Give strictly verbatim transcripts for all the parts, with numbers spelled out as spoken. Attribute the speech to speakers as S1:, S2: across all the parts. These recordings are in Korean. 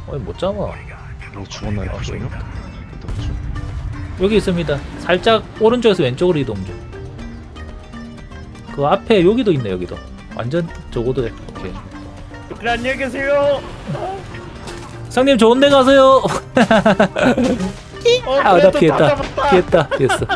S1: 어이 못 잡아.
S2: 뭐 죽었나요? 표정이요?
S1: 여기 있습니다. 살짝 오른쪽에서 왼쪽으로 이동 중. 그 앞에 여기도 있네. 여기도 완전 저거도 해. 오케이.
S3: 그래 안녕히 계세요.
S1: 상님 좋은 데 가세요.
S3: 어,
S1: 아, 나
S3: 그래도
S1: 피했다.
S3: 다 잡았다.
S1: 피했다. 피했어.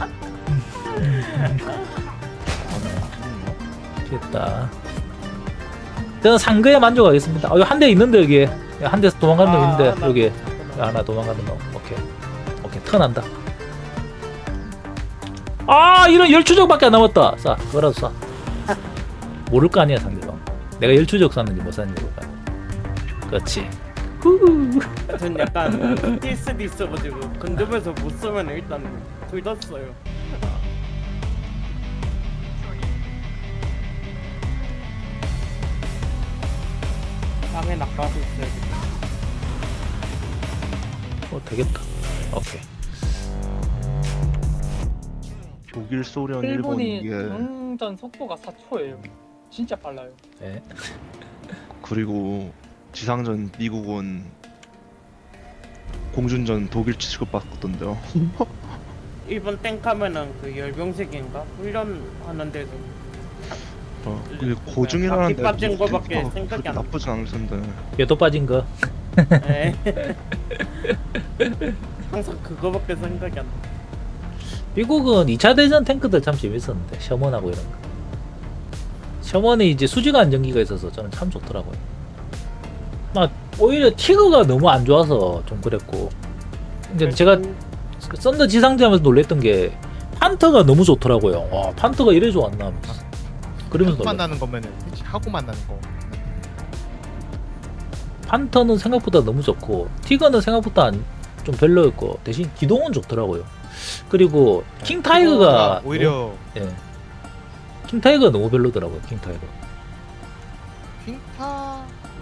S1: 피했다. 저는 상그에 만족하겠습니다. 어, 한 대 있는데 여기 한 대에서 도망가는 놈
S3: 아,
S1: 있는데
S3: 하나.
S1: 여기 하나 도망가는 놈. 오케이. 오케이. 턴한다. 아 이런 열추적밖에 안 남았다. 쏴. 그거라도 쏴. 모를 거 아니야 상대방. 내가 열추적 쐈는지 못 쐈는지 모를 거 아니야. 그렇지. 후후.
S3: 전 약간 피티에스디 있어가지고 근접해서 못 쏘면 일단 둘 다 써요. 땅에 낙가도 있어요.
S1: 어 되겠다. 오케이.
S2: 독일, 소련, 일본
S4: 일본이
S2: 이게
S4: 정전 속도가 사 초예요. 진짜 빨라요.
S1: 네.
S2: 그리고 지상전 미국은 공준전 독일 취급받던데요.
S3: 일본 땡카면은 그 열병식인가 훈련하는 데서
S2: 어, 근데 고중이라는데
S3: 바퀴 빠진
S2: 뭐
S3: 거밖에
S2: 탱크가
S3: 생각이
S2: 그렇게
S3: 안 나.
S2: 나쁘진 않을 텐데.
S1: 얘도 빠진 거.
S3: 네. 항상 그거밖에 생각이 안 나.
S1: 미국은 이 차 대전 탱크들 참 재밌었는데 셔먼하고 이런 거. 셔먼이 이제 수직 안정기가 있어서 저는 참 좋더라고요. 막 오히려 티그가 너무 안 좋아서 좀 그랬고. 근데 제가 그 썬더 지상전하면서 놀랬던 게 판터가 너무 좋더라고요. 와 판터가 이래 좋았나 하면서. 그러면서
S5: 하고
S1: 놀랐-
S5: 만나는 거면은 그치, 하고 만나는 거.
S1: 판터는 생각보다 너무 좋고 티거는 생각보다 안, 좀 별로였고 대신 기동은 좋더라고요. 그리고 킹 타이거가
S5: 오히려
S1: 예. 킹 타이거가 너무 별로더라고요. 킹 타이거.
S5: 킹타.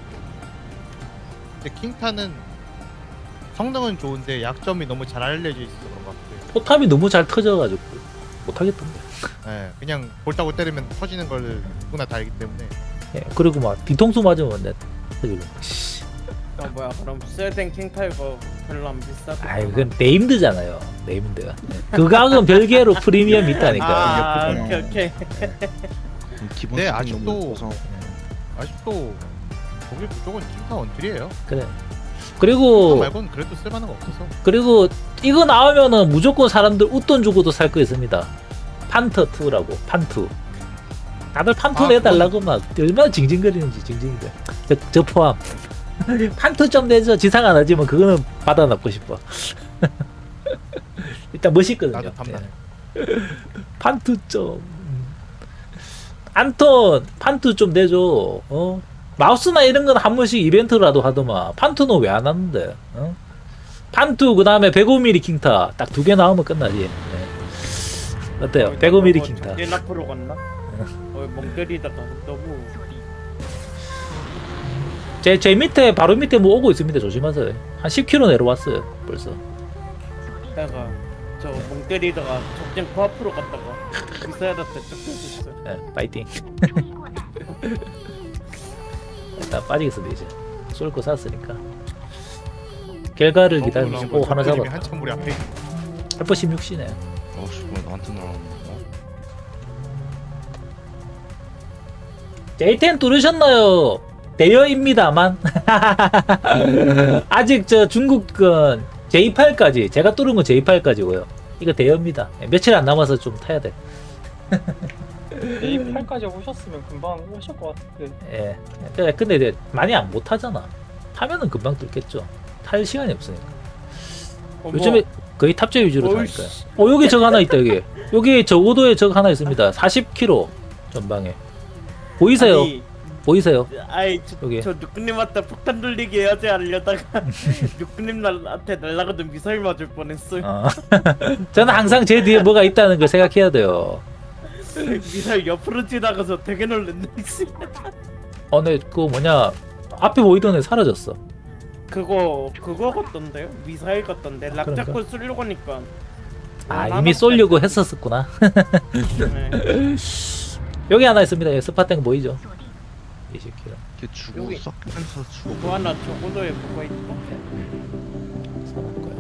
S5: 근데 킹타는 성능은 좋은데 약점이 너무 잘 알려져 있어서 그런 것 같아요.
S1: 포탑이 너무 잘 터져가지고 못하겠던데.
S5: 예, 그냥 볼따고 때리면 터지는 걸 누구나 다 알기 때문에.
S1: 예. 그리고 막 뒤통수 맞으면 내 터지고. 씨.
S3: 아 뭐야 그럼 스웨덴 킹타이거 별로 안 비싸고.
S1: 아이 그건 네임드잖아요. 네임드가. 예. 그 가격은 별개로 프리미엄 있다니까.
S3: 아
S2: 그냥-
S3: 오케이 오케이.
S2: 기본
S5: 네,
S2: 수준이
S5: 아직도-
S2: 너무 높아서.
S5: 아직도 독일 그쪽은 킹타 원툴이에요.
S1: 그래.
S5: 그거
S1: 그리고
S5: 말고는 그래도 쓸만한 거 없어서.
S1: 그리고 이거 나오면은 무조건 사람들 웃돈 주고도 살 거 있습니다. 판터 이라고 판투. 다들 판투
S5: 아,
S1: 내달라고 막 얼마나 징징거리는지 징징거려. 저, 저 포함. 판투 좀 내줘. 지상 안 하지만 그거는 받아놓고 싶어. 일단 멋있거든요.
S5: 나도 탐나네.
S1: 예. 판투 좀. 안톤 판투 좀 내줘. 어? 마우스나 이런 건 한 번씩 이벤트라도 하더만. 판투는 왜 안 하는데? 어? 판투 그 다음에 백오 밀리미터 킹타 딱 두 개 나오면 끝나지. 네. 어때요? 백오 밀리미터 킹타.
S3: 정진 앞으로 갔나? 어, 멍 때리다가 너무
S1: 제, 제 밑에 바로 밑에 뭐 오고 있습니다. 조심하세요. 한 십 킬로미터 내려왔어요. 벌써.
S3: 내가 저 멍 때리다가 적진 코 앞으로 갔다가 미사일한테 쫓겨졌어요.
S1: 네, 파이팅. 일단 빠지겠습니다 이제. 쏠 거 쐈으니까. 결과를 기다리시고 오 하나 잡았다.
S5: 한참 우리 앞에.
S1: 알파 십육 시네.
S2: 어씨 뭐 나한테 날아오는 거?
S1: 제이 텐 뚫으셨나요? 대여입니다만. 아직 저 중국은 제이 팔까지 제가 뚫은 건 제이 팔까지고요. 이거 대여입니다. 며칠 안 남아서 좀 타야 돼.
S4: 에이 팔까지 오셨으면 금방 오실 것 같은데.
S1: 예. 근데- 근데 이제 많이 안 못 타잖아. 타면은 금방 뚫겠죠. 탈 시간이 없으니까.
S3: 어머,
S1: 요즘에 거의 탑재 위주로
S3: 어이씨.
S1: 타니까요. 어 여기 적 하나 있다 여기. 여기 저고도에 적 하나 있습니다. 사십 킬로미터 전방에. 보이세요?
S3: 아니,
S1: 보이세요?
S3: 아이 저,
S1: 여기.
S3: 저 누꾸님한테 폭탄 돌리기 해야지 하려다가 누꾸님한테 날라가던 미사일 맞을 뻔했어요.
S1: 어. 저는 항상 제 뒤에 뭐가 있다는 걸 생각해야 돼요.
S3: 미사일 옆으로 지나가서 되게 놀랐네.
S1: 어, 근데 그거 뭐냐 앞에 보이던 애 사라졌어.
S3: 그거 그거 같던데요? 미사일 같던데 락
S1: 그런가?
S3: 잡고 쏘려고 하니까.
S1: 아
S3: 어,
S1: 이미
S3: 나만
S1: 쏠려고
S3: 쐈다.
S1: 했었었구나.
S3: 네.
S1: 여기 하나 있습니다. 여기 스파탱 보이죠? 이 새끼야.
S2: 걔 죽고
S3: 여기.
S2: 썩면서 죽어.
S3: 그거 하나 저고도에 뭐가 있다.
S1: 사람 거야.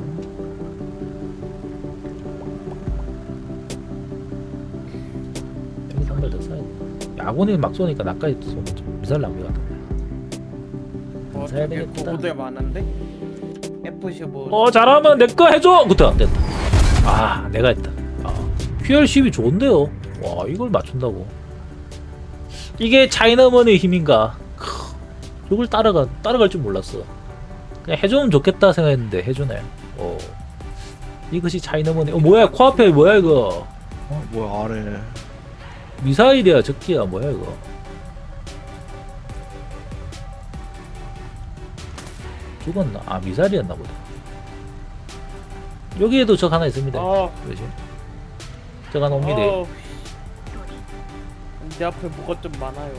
S1: 여기 한발 더 사야 돼. 야구니 막 쏘니까 나까지 쏘면 좀 미사일 낭비 같은데.
S3: 어
S1: 사야
S3: 저기
S1: 되겠다.
S3: 고고도에 많은데. 에프 십오.
S1: 어 잘하면 내 거 해줘. 됐다 됐다. 아 내가 했다. 아, 큐알 십이 좋은데요. 와 이걸 맞춘다고. 이게 차이나먼의 힘인가. 크, 이걸 따라가 따라갈 줄 몰랐어. 그냥 해주면 좋겠다 생각했는데 해주네. 어 이것이 차이나먼의. 어 뭐야 코앞에 뭐야 이거.
S2: 어, 뭐야 아래.
S1: 미사일이야 적기야 뭐야 이거. 죽었나? 아 미사일이었나 보다. 여기에도 적 하나 있습니다.
S3: 어.
S1: 그렇지. 적 하나 옵니다.
S3: 어. 내 앞에 뭐가 좀 많아요.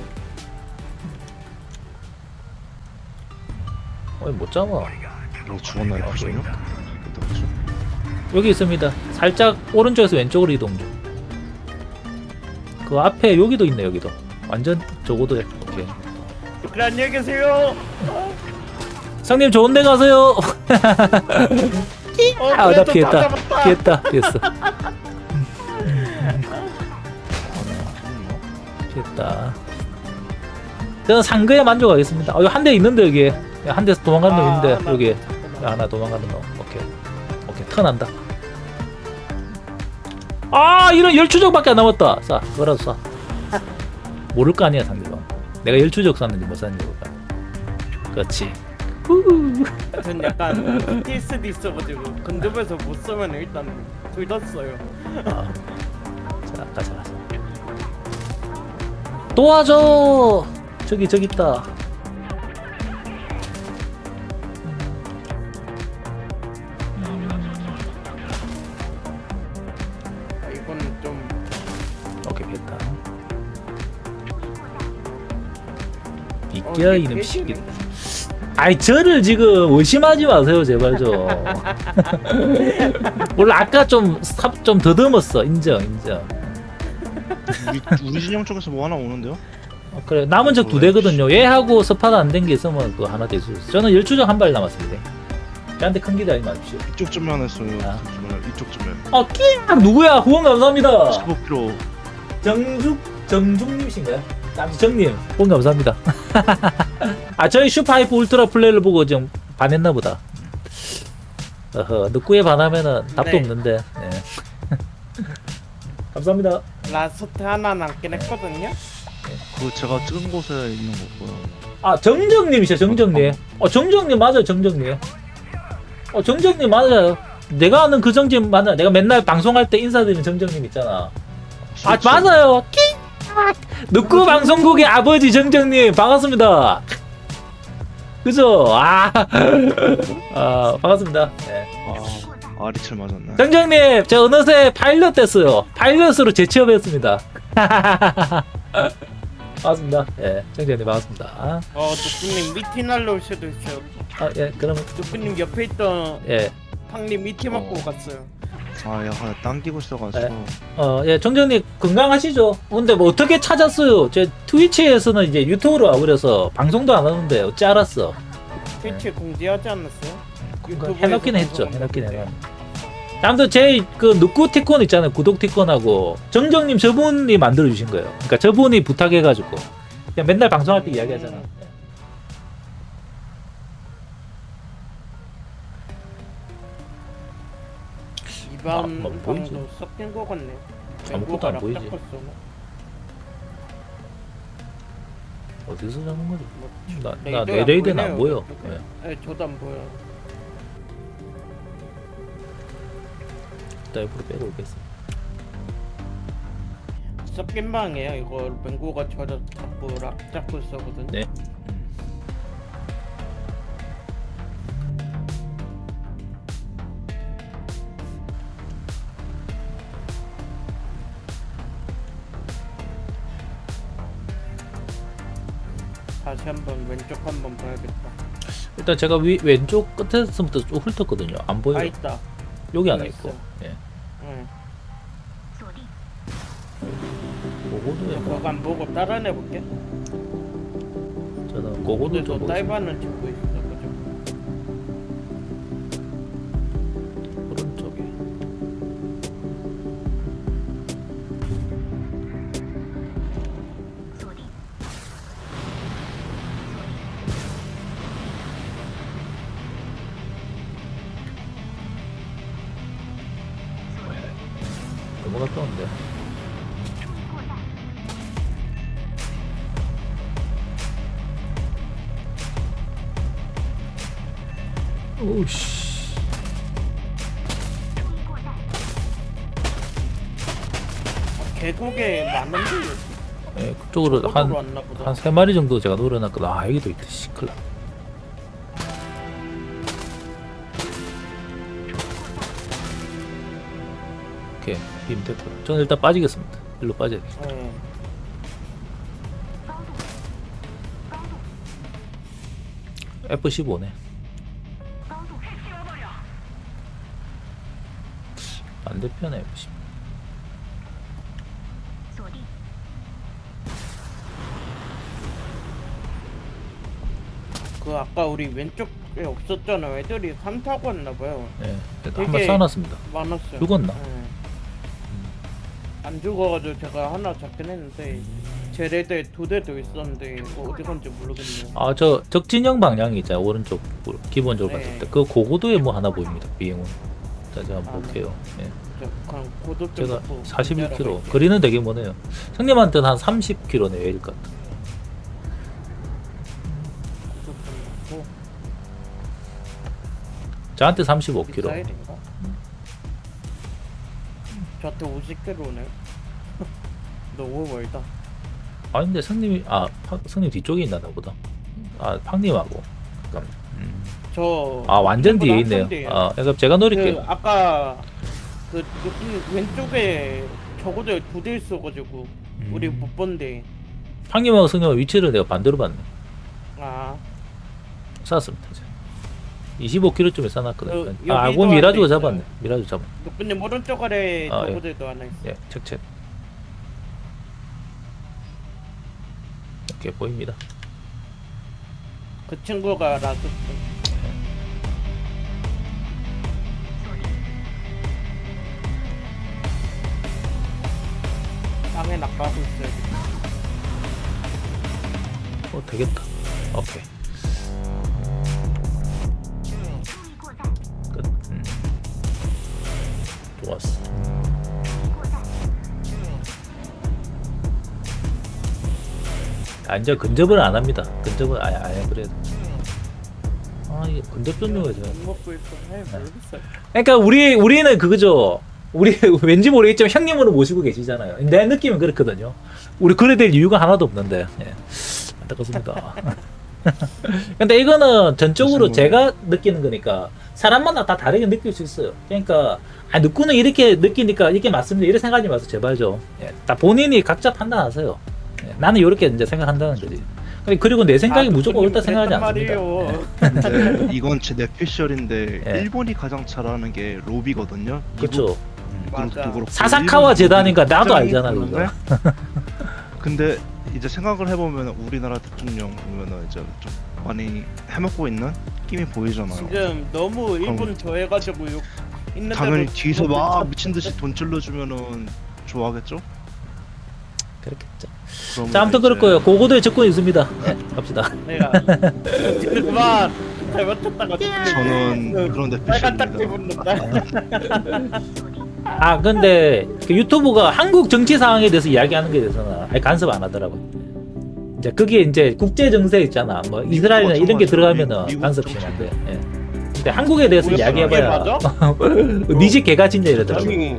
S1: 어이 못 잡아.
S2: 너 죽었나 이거 지금? 그렇죠.
S1: 여기 있습니다. 살짝 오른쪽에서 왼쪽으로 이동 중. 그 앞에 여기도 있네 여기도. 완전 저거도 해. 오케이.
S3: 그래 안녕히 계세요.
S1: 상님 좋은 데 가세요.
S3: 어,
S1: 아, 나
S3: 그래도
S1: 피했다.
S3: 다 잡았다.
S1: 피했다. 피했어. 피했다. 저는 상그에 만족하겠습니다. 어, 한 대 있는데 여기. 한 대에서 도망가는 놈
S3: 아,
S1: 있는데
S3: 하나
S1: 여기.
S3: 잡았구나.
S1: 하나 도망가는 놈. 오케이. 오케이. 턴한다. 아 이런 열추적밖에 안 남았다. 쏴. 그거라도 쏴. 모를 거 아니야 상대방. 내가 열추적 쐈는지 못 쐈는지 몰라. 그렇지. 후후.
S3: 전 약간 피티에스디 있어가지고 근접에서 못 쓰면 일단 둘 다 써요.
S1: 아, 자, 아까 잘했어. 도와줘. 저기 저기 있다.
S3: 아, 이거는 좀
S1: 오케이 됐다.
S3: 어,
S1: 비껴
S3: 이게
S1: 이놈
S3: 깨지네.
S1: 시기. 아이 저를 지금 의심하지 마세요 제발 좀. 원래 아까 좀좀 더듬었어. 인정 인정.
S2: 우리 우리 진영 쪽에서 뭐 하나 오는데요?
S1: 어, 그래 남은 적 두 대거든요. 얘하고 스파가 안 된 게 있으면 그거 하나 될 수 있어. 저는 열추적 한 발 남았습니다. 저한테 큰 기대 하지 마십시오.
S2: 이쪽 전면 했어요.
S1: 아.
S2: 이쪽 전면.
S1: 어, 끼! 누구야? 후원 감사합니다.
S2: 십오 킬로미터.
S1: 정죽 정죽님이신가요? 남정님 후원 감사합니다. 아 저희 슈퍼하이프 울트라 플레이를 보고 좀 반했나 보다. 어허 늑구에 반하면은 답도
S3: 네.
S1: 없는데. 네. 감사합니다.
S3: 라스트 하나 남긴 했거든요.
S2: 그 제가 찍은 곳에 있는 거고요.
S1: 아 정정님이셔 정정님. 어 정정님 맞아요 정정님. 어 정정님 맞아요. 내가 아는 그 정정님 맞아. 내가 맨날 방송할 때 인사드리는 정정님 있잖아. 아 맞아요. 끼! 늑구 방송국의 아버지 정정님 반갑습니다. 그죠? 아, 아 반갑습니다. 네.
S2: 아 아리철 맞았네.
S1: 정정님 저 어느새 파일럿 됐어요. 파일럿으로 재취업했습니다. 반갑습니다. 예, 정정님 반갑습니다.
S3: 어 누꾸님 미팅 날려올 수도 있어요.
S1: 아, 예, 그러면
S3: 누꾸님 옆에 있던
S1: 예,
S3: 팡님 미팅 맞고
S2: 어.
S3: 갔어요.
S2: 아 약간 당기고 있어가지고.
S1: 네. 어, 예, 정정님 건강하시죠? 근데 뭐 어떻게 찾았어요? 제 트위치에서는 이제 유튜브로 와버려서 방송도 안 하는데 어찌 알았어?
S3: 트위치 공지하지 않았어요? 유튜브에서
S1: 해놓긴 했죠.
S3: 방송한
S1: 해놓긴
S3: 건데.
S1: 해놨. 아무튼 제그 늑구 티콘 있잖아요. 구독 티콘하고 정정님 저분이 만들어 주신 거예요. 그러니까 저분이 부탁해가지고 그냥 맨날 방송할 때 이야기하잖아.
S3: 음. 이번
S1: 아, 뭐 보이지?
S3: 방도 섞인 거 같네.
S1: 아무것도 안 보이지.
S3: 뭐
S1: 어디서 잡은 거지? 나, 나
S3: 레이더가
S1: 내 레이더는 안
S3: 보이네요,
S1: 보여.
S3: 이쪽에.
S1: 예.
S3: 네, 저도 안 보여.
S1: 이따 옆으로 빼고 오겠습니다.
S3: 섞인 방이에요. 이거 맹고가 저를 자꾸 락 잡고 있었거든.
S1: 네.
S3: 다시 한번 왼쪽 한번 봐야겠다.
S1: 일단 제가 위, 왼쪽 끝에서부터 좀 훑었거든요. 안 보여요.
S3: 아 있다.
S1: 여기 하나
S3: 여기
S1: 있고.
S3: 있어.
S1: 예.
S3: 응.
S1: 보고도에 뭐.
S3: 그거 안 보고 따라내 볼게.
S1: 저는 고고도
S3: 어디서
S1: 좀
S3: 딸바는 찍고 있어. 그죠?
S1: 오른쪽에. 너무 가까운데. 오우씨.
S3: 아, 계곡에 많은데
S1: 예, 그쪽으로
S3: 저쪽으로
S1: 한
S3: 왔나 보다.
S1: 한 세 마리 정도 제가 노려놨거든. 아 여기도 있다. 시클라. 오케이 빔 됐고. 저는 일단 빠지겠습니다. 일로 빠져야 돼.
S3: 예.
S1: 에프 십오네. 반대편에 에프 십오.
S3: 그 아까 우리 왼쪽에 없었잖아. 애들이 산 타고 왔나봐요.
S1: 예, 일단
S3: 되게-
S1: 한번 쌓아놨습니다.
S3: 많았어요.
S1: 죽었나?
S3: 예. 안 죽어가지고 제가 하나 잡긴 했는데 제 레드에 두 대도 있었는데 뭐 어디 건지 모르겠네요.
S1: 아 저 적진영 방향이 있잖아요. 오른쪽 기본적으로
S3: 네.
S1: 봤을 때 그 고고도에 뭐 하나 보입니다. 비행운. 자 제가
S3: 아,
S1: 볼게요. 예.
S3: 저 그냥 고도 좀
S1: 제가
S3: 놓고
S1: 사십일 킬로미터.
S3: 기다려볼게요.
S1: 거리는 되게 머네요. 형님한테는 한 삼십 킬로미터 내외일 것 같아.
S3: 고도 좀 놓고
S1: 저한테 삼십오 킬로미터.
S3: 미사일인가? 저한테 오십 킬로미터네. 너무 멀다.
S1: 아 근데 성님이 아 파, 성님 뒤쪽에 있나 보다. 아 팡님하고. 잠깐. 음.
S3: 저
S1: 아 완전 뒤에
S3: 한참
S1: 있네요.
S3: 뒤에요.
S1: 아 그러니까 제가 노릴게요.
S3: 그 아까 그 여기 왼쪽에 적어도 두 대 있어가지고 우리
S1: 음.
S3: 못 본데.
S1: 팡님하고 성님하고 위치를 내가 반대로 봤네.
S3: 아
S1: 쐈습니다. 이제. 이십오 킬로미터쯤에 쏴놨거든.
S3: 여-
S1: 아,
S3: 여기도
S1: 그건 미라주가
S3: 하나
S1: 잡았네.
S3: 있어요.
S1: 미라주 잡았네.
S3: 근데 오른쪽 아래
S1: 아, 예.
S3: 적어도 하나 있어.
S1: 예, 책책. 이렇게 보입니다.
S3: 그 친구가 라스트. 땅에 낙하고 있어요.
S1: 어, 되겠다. 오케이. 끝. 음. 좋았어. 아, 이제 근접을 안 합니다. 근접은 아예 아예 그래도. 아, 이게 근접 전용이죠.
S3: 못 먹고 있어. 해 모르겠어요.
S1: 그러니까 우리 우리는 그거죠. 우리 왠지 모르겠지만 형님으로 모시고 계시잖아요. 내 느낌은 그렇거든요. 우리 그래 될 이유가 하나도 없는데. 예. 안타깝습니다. 근데 이거는 전적으로 제가 느끼는 거니까 사람마다 다 다르게 느낄 수 있어요. 그러니까 아 누구는 이렇게 느끼니까 이게 맞습니다. 이렇게 생각하지 마세요. 제발 좀. 예. 다 본인이 각자 판단하세요. 예. 나는 이렇게 이제 생각한다는 거지. 그리고 내 생각이
S3: 아,
S1: 무조건 옳다
S3: 그랬단
S1: 생각하지 않습니다.
S3: 말이에요.
S2: 근데 이건 제 뇌피셜인데
S1: 예.
S2: 일본이 가장 잘하는 게 로비거든요.
S1: 그렇죠.
S3: 맞아.
S1: 사사카와 재단이니까 나도 알잖아,
S2: 그런데 근데 이제 생각을 해보면 우리나라 대통령 보면은 이제 좀 많이 해먹고 있는 느낌이 보이잖아요.
S3: 지금 너무 일본 좋아해가지고 욕 있는
S2: 당연히
S3: 대로
S2: 뒤에서 막
S3: 욕을
S2: 미친 듯이 돈 찔러주면은 좋아하겠죠?
S1: 그렇겠죠.
S2: 그러면
S1: 자, 아무튼
S2: 이제
S1: 그럴 거예요. 고고도에 접근이 있습니다. 네, 갑시다.
S3: 내가 지금 그만 잘못했다가
S2: 저는 그런
S3: 빨간 딱지
S2: 뇌피셜입니다.
S3: 붙는다.
S1: 아, 근데 그 유튜브가 한국 정치 상황에 대해서 이야기하는 게 대해서는 아예 간섭 안 하더라고요. 이제 그게 이제 국제 정세 있잖아. 뭐 이스라엘이나 이런 게 들어가면은
S2: 미국
S1: 간섭시면 안 돼. 예. 근데 한국에 대해서
S3: 뭐야,
S1: 이야기해봐야
S3: 이게
S1: 니집 개가진다 이러더라고.
S3: 아니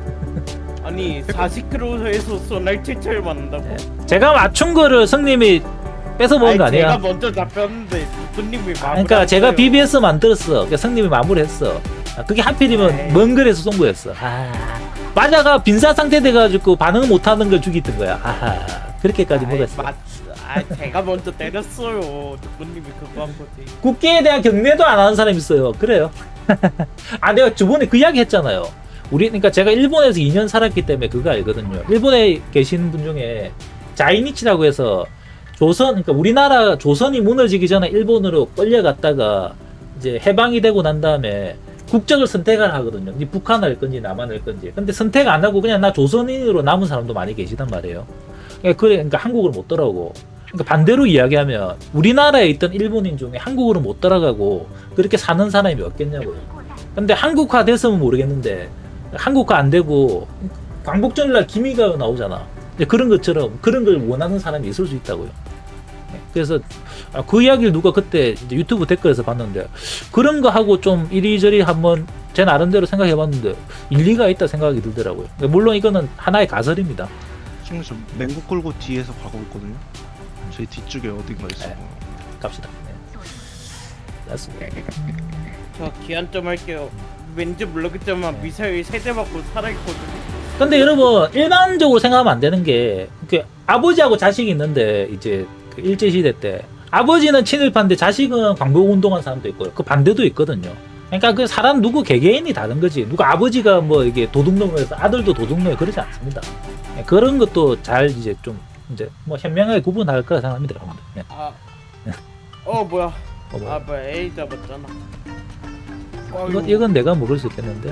S3: 아니 사십 킬로미터에서 소날 칠철 맞는다고?
S1: 예. 제가 맞춘 거를 성님이 뺏어먹은 거
S3: 아니,
S1: 아니야?
S3: 제가 먼저 잡혔는데 누님이 마무리.
S1: 그러니까 제가 비비에스 만들었어. 그러니까 성님이 마무리했어. 아, 그게 하필이면
S3: 에이.
S1: 먼 거리에서 쏜 거였어. 아, 마자가 빈사 상태 돼가지고 반응 못하는 걸 죽이던 거야. 아하, 그렇게까지 못했어.
S3: 맞. 아 제가 먼저 때렸어요. 누님이 그거 한 거지.
S1: 국기에 대한 경례도 안 하는 사람이 있어요. 그래요. 아, 내가 저번에 그 이야기 했잖아요. 우리, 그러니까 제가 일본에서 이 년 살았기 때문에 그거 알거든요. 일본에 계시는 분 중에 자이니치라고 해서 조선, 그러니까 우리나라 조선이 무너지기 전에 일본으로 끌려갔다가 이제 해방이 되고 난 다음에 국적을 선택을 하거든요. 이 북한 할 건지 남한 할 건지. 근데 선택 안 하고 그냥 나 조선인으로 남은 사람도 많이 계시단 말이에요. 그러니까, 그래, 그러니까 한국을 못 돌아오고. 그러니까 반대로 이야기하면 우리나라에 있던 일본인 중에 한국으로 못 돌아가고 그렇게 사는 사람이 몇 겠냐고요. 근데 한국화 됐으면 모르겠는데 한국화 안 되고 광복절날 기미가 나오잖아. 근데 그런 것처럼 그런 걸 원하는 사람이 있을 수 있다고요. 그래서 아, 그 이야기를 누가 그때 이제 유튜브 댓글에서 봤는데 그런 거 하고 좀 이리저리 한번 제 나름대로 생각해 봤는데 일리가 있다 생각이 들더라고요. 물론 이거는 하나의 가설입니다.
S2: 지금 저 맹구 끌고 뒤에서 가고 있거든요. 저희 뒤쪽에 어딘가 있어.
S1: 네. 갑시다. 네. 맞습니다.
S3: 저 기한 좀 할게요. 왠지 모르겠지만 미사일 세대 맞고 살아있거든요.
S1: 근데 여러분 일반적으로 생각하면 안 되는 게 그 아버지하고 자식이 있는데 이제 그 일제시대 때 아버지는 친일파인데 자식은 광복운동한 사람도 있고요. 그 반대도 있거든요. 그러니까 그 사람 누구 개개인이 다른 거지. 누가 아버지가 뭐 이게 도둑놈을 해서 아들도 도둑놈이 그러지 않습니다. 그런 것도 잘 이제 좀 이제 뭐 현명하게 구분할 거라 생각합니다, 여러분들. 네.
S3: 아, 어 뭐야?
S1: 어, 뭐.
S3: 아 뭐야? A 잡았잖아.
S1: 이건, 이건 내가 먹을 수 있겠는데.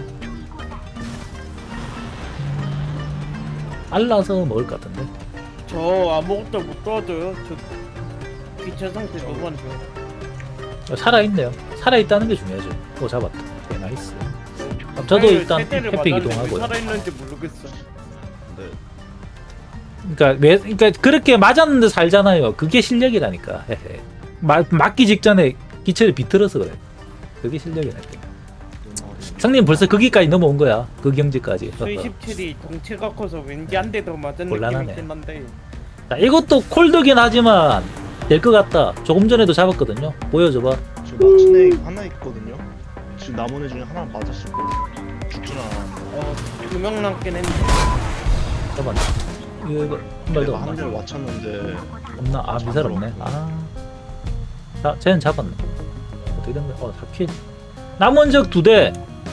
S1: 알라서 먹을 것 같은데.
S3: 저 아무것도 못 도와줘요. 저 기체 상태 너무 안 좋아.
S1: 살아있네요. 살아있다는 게 중요하죠. 오, 잡았다. 네, 나이스. 그럼 저도 일단 햇빛 이동하고요.
S3: 살아있는지 모르겠어.
S2: 근데
S1: 그러니까 왜, 그러니까 그렇게 맞았는데 살잖아요. 그게 실력이라니까. 헤헤. 마, 맞기 직전에 기체를 비틀어서 그래. 그게 실력이라니까. 성님 벌써 거기까지 넘어온 거야. 그 경지까지.
S3: 수이십칠이 덩치가 커서 왠지 한 대 더 맞은
S1: 곤란하네.
S3: 느낌이긴 한데.
S1: 자, 이것도 콜드긴 하지만 될 것 같다. 조금 전에도 잡았거든요. 보여줘봐.
S2: 지금 맞춘 애 하나 있거든요. 지금 남은 애 중에 하나 맞았을 거예요. 죽진 않았는데.
S3: 어, 두 명 남긴 했는데.
S1: 잡았네. 이거, 이거 한 발도
S2: 내가 한
S1: 없나?
S2: 대를 맞췄는데
S1: 없나? 아, 미사일 없네. 아. 자, 쟤는 잡았네. 어떻게 된 거야? 어, 잡힌. 남은 적 두 대.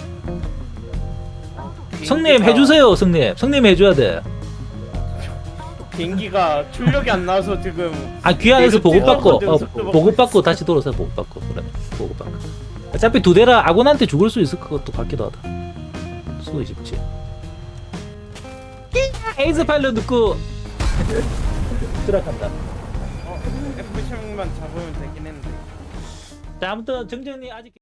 S1: 성님
S3: 비행기가-
S1: 해주세요, 성님. 성님 해줘야 돼.
S3: 비행기가 출력이 안 나와서 지금
S1: 아, 귀환해서
S3: 내가
S1: 보급받고,
S3: 찍어서
S1: 어,
S3: 속도
S1: 보급받고 다시 돌아서 보급받고, 그러면 보급받고. 어차피 두 대라 아군한테 죽을 수 있을 것도 같기도 하다. 수도 쉽지. 에이스 파일럿 넣고 들어간다.
S3: 어, 에프 십육만 잡으면 되긴 했는데.
S1: 자, 아무튼 정전이 아직.